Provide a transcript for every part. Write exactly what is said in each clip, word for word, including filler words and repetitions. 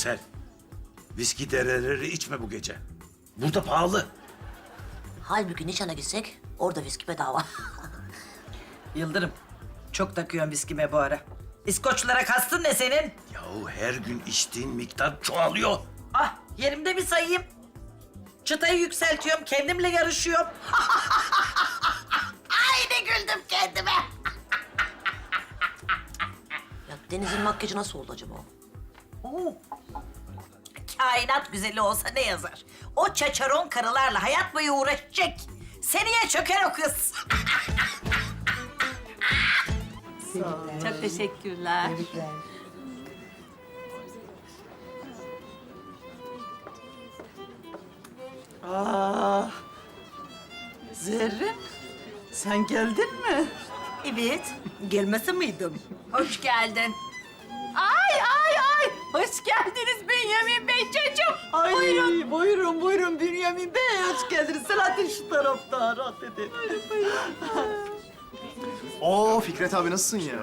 Nursel, viski dereleri içme bu gece. Burada pahalı. Halbuki nişana gitsek orada viski bedava. Yıldırım, çok takıyorsun viskime bu ara. İskoçlara kastın ne senin? Yahu her gün içtiğin miktar çoğalıyor. Ah, yerimde mi sayayım? Çıtayı yükseltiyorum, kendimle yarışıyorum. Ay ne güldüm kendime. Ya Deniz'in makyajı nasıl oldu acaba? Oo. Kainat güzeli olsa ne yazar? O çaçaron karılarla hayat boyu uğraşacak. Seneye çöker o kız. Çok teşekkürler. Aa, Zerrin, sen geldin mi? Evet, gelmese miydim? Hoş geldin. Ay ay ay. Hoş geldiniz Bünyamin Bey çocuğum. Ay, buyurun. Buyurun, buyurun Bünyamin Bey, hoş geldiniz. Selahattin şu tarafta, rahat edin. Oo Fikret abi nasılsın ya?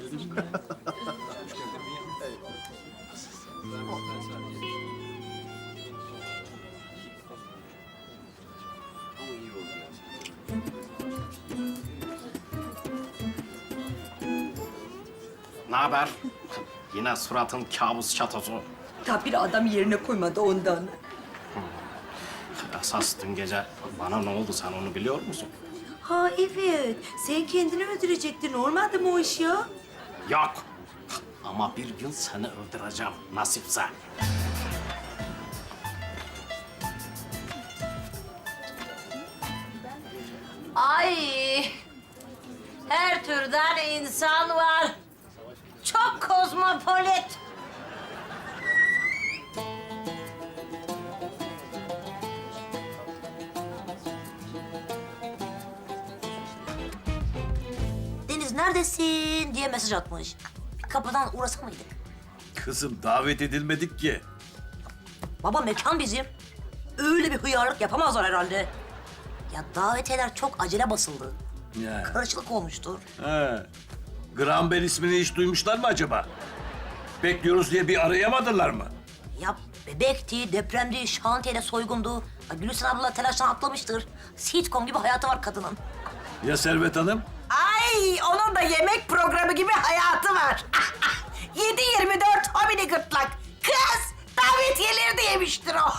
Ne haber? Yine suratın kabus çatosu. Tabii adam yerine koymadı ondan. Esas dün gece bana ne oldu sen onu biliyor musun? Ha evet, sen kendini öldürecektin. Olmadı mı o iş ya? Yok. Ama bir gün seni öldüreceğim nasipse. Ay! Her türden insan var. Çok kozmopolit. Deniz neredesin diye mesaj atmış. Bir kapıdan uğrasa mıydık? Kızım davet edilmedik ki. Baba mekan bizim. Öyle bir hıyarlık yapamazlar herhalde. Ya davetiyeler çok acele basıldı. Ya. Karışıklık olmuştur. He. Graham Bell ismini hiç duymuşlar mı acaba? Bekliyoruz diye bir arayamadılar mı? Ya bebekti, depremdi, şantiyede soygundu. Ya Gülsen abla telaştan atlamıştır. Sitcom gibi hayatı var kadının. Ya Servet Hanım? Ay, onun da yemek programı gibi hayatı var. yedi yirmi dört homini gırtlak. Kız, davetiyeleri de yemiştir o.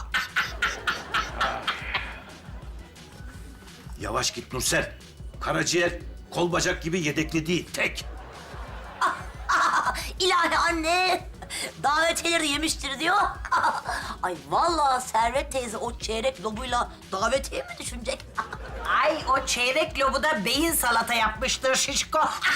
Yavaş git Nursel. Karaciğer kol bacak gibi yedekli değil, tek. İlahi anne, davetiyeleri yemiştir diyor. Ay vallahi Servet teyze o çeyrek lobuyla davetiye mi düşünecek? Ay, o çeyrek lobuda beyin salata yapmıştır şişko.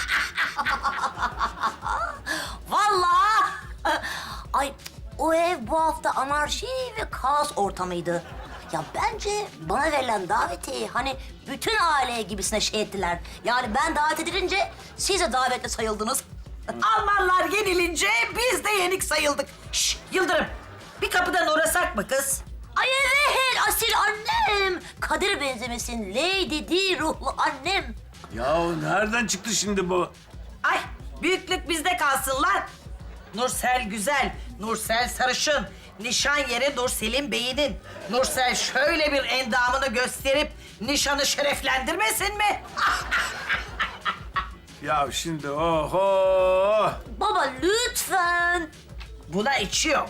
Vallahi. Ay o ev bu hafta anarşi ve kaos ortamıydı. Ya bence bana verilen davetiyeyi hani bütün aile gibisine şey ettiler. Yani ben davet edilince siz de davetli sayıldınız. Almanlar yenilince biz de yenik sayıldık. Şş, Yıldırım, bir kapıdan uğrasak mı kız? Ay evet asil annem. Kadir benzemesin Lady Di ruhlu annem. Ya nereden çıktı şimdi bu? Ay, büyüklük bizde kalsınlar. Nursel güzel, Nursel sarışın. Nişan yeri Nursel'in beyinin. Nursel şöyle bir endamını gösterip nişanı şereflendirmesin mi? Ya şimdi oho! Baba lütfen. Buna içiyor.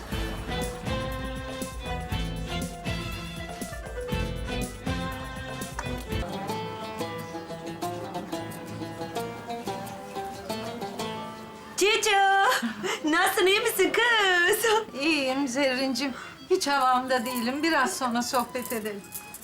Cici, nasılsın, iyi misin kız? İyiyim Zerrin'cim. Hiç havamda değilim. Biraz sonra sohbet edelim.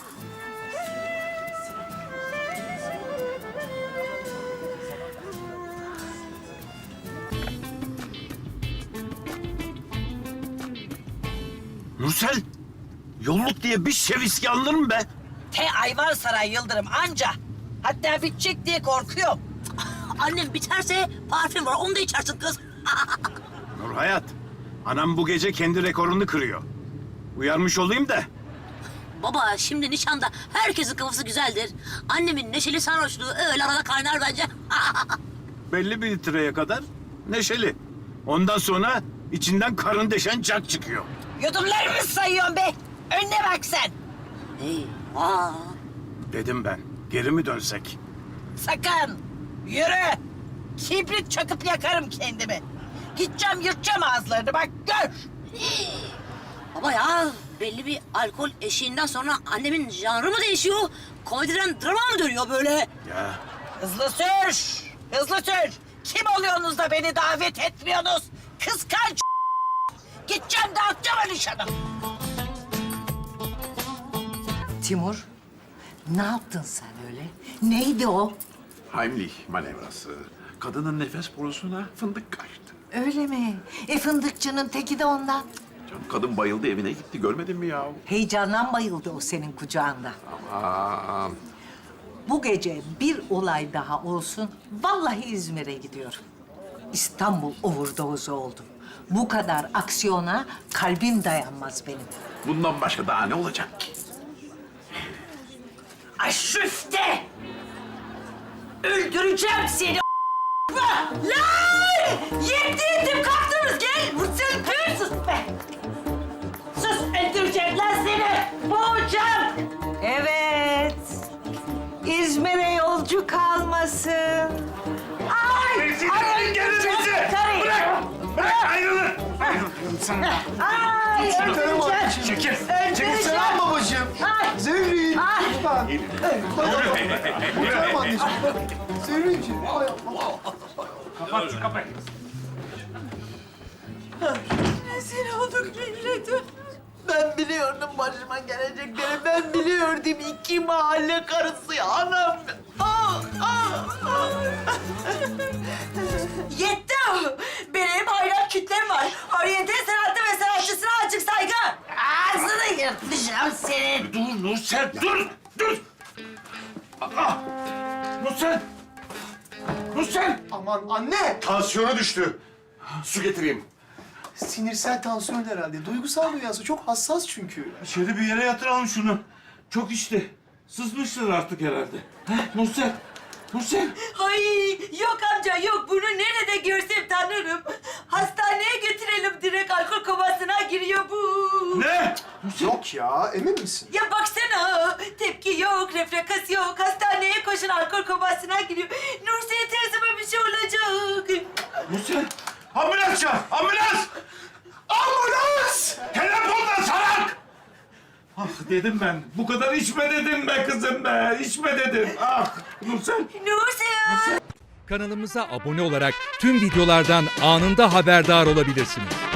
Nursel, yolluk diye bir şişe viski alınır mı be? Te Ayvansaray Yıldırım anca. Hatta bitecek diye korkuyorum. Annem biterse parfüm var onu da içersin kız. Nurhayat, anam bu gece kendi rekorunu kırıyor. Uyarmış olayım da. Baba şimdi nişanda herkesin kafası güzeldir. Annemin neşeli sarhoşluğu öyle arada kaynar bence. Belli bir litreye kadar neşeli. Ondan sonra İçinden karın deşen cak çıkıyor. Yudumlarımı sayıyorsun be. Önüne bak sen. Eyvah. Dedim ben. Geri mi dönsek? Sakın. Yürü. Kibrit çakıp yakarım kendimi. Gideceğim yırtacağım ağızlarını bak gör. Baba ya belli bir alkol eşiğinden sonra annemin janrı mı değişiyor? Komediden drama mı dönüyor böyle? Ya Hızlı sür. Hızlı sür. Kim oluyorsunuz da beni davet etmiyorsunuz? Kıskanç. Gideceğim dağıtacağım o nişanı. Timur, ne yaptın sen öyle? Neydi o? Heimlich manevrası. Kadının nefes borusuna fındık kaçtı. Öyle mi? E fındıkçının teki de ondan. Canım kadın bayıldı evine gitti görmedin mi ya? Heyecandan bayıldı o senin kucağında. Aman. Bu gece bir olay daha olsun, vallahi İzmir'e gidiyorum. İstanbul overdose oldum. Bu kadar aksiyona kalbim dayanmaz benim. Bundan başka daha ne olacak ki? Aşüfte! Öldüreceğim seni Lan! Yetti yetim kalktınız gel! Mursel kır! Sus be! Sus öldüreceğim lan seni! Boğacağım! Evet, İzmir'e yolcu kalmasın. Ay! Ay öldüreceğim karıyı! Bırak! bırak ayrılın. Ay öldüreceğim! Çekil. Öldüreceğim! babacığım. Ay! Zerrin. Ay! Kurtarma anneciğim. Zerrin'ciğim. Ay Allah. Kapat şu kapıyı. Rezil olduk milletim. Ben biliyordum başıma gelecekleri. Ben biliyordum iki mahalle karısı ya anam. Ah, ah, ah. Yetti! Benim hayran kitlem var. Oryantal sanatı ve sanatçısına açık saygı. Ağzını yırtacağım senin. Dur Nursel dur dur. Aa, Nursel. Nursel. Aman anne. Tansiyonu düştü. Su getireyim. Sinirsel tansiyon herhalde. Duygusal dünyası çok hassas çünkü. İçeri bir yere yatıralım şunu. Çok içti. Sızmıştır artık herhalde. Heh, Nursel. Nursel. Ay yok amca yok. Bunu nerede görsem tanırım. Hastaneye götürelim direkt alkol komasına giriyor bu. Ne? Yok ya, emin misin? Ya baksana tepki yok, reflekas yok. Hastaneye koşun alkol komasına giriyor. Nursel teyzeme bir şey olacak. Nursel. Ambulans çağır. Ambulans. Ambulans. Telefonla salak. Ah dedim ben. Bu kadar içme dedim be kızım be. İçme dedim. Ah Nursel. Nursel. Kanalımıza abone olarak tüm videolardan anında haberdar olabilirsiniz.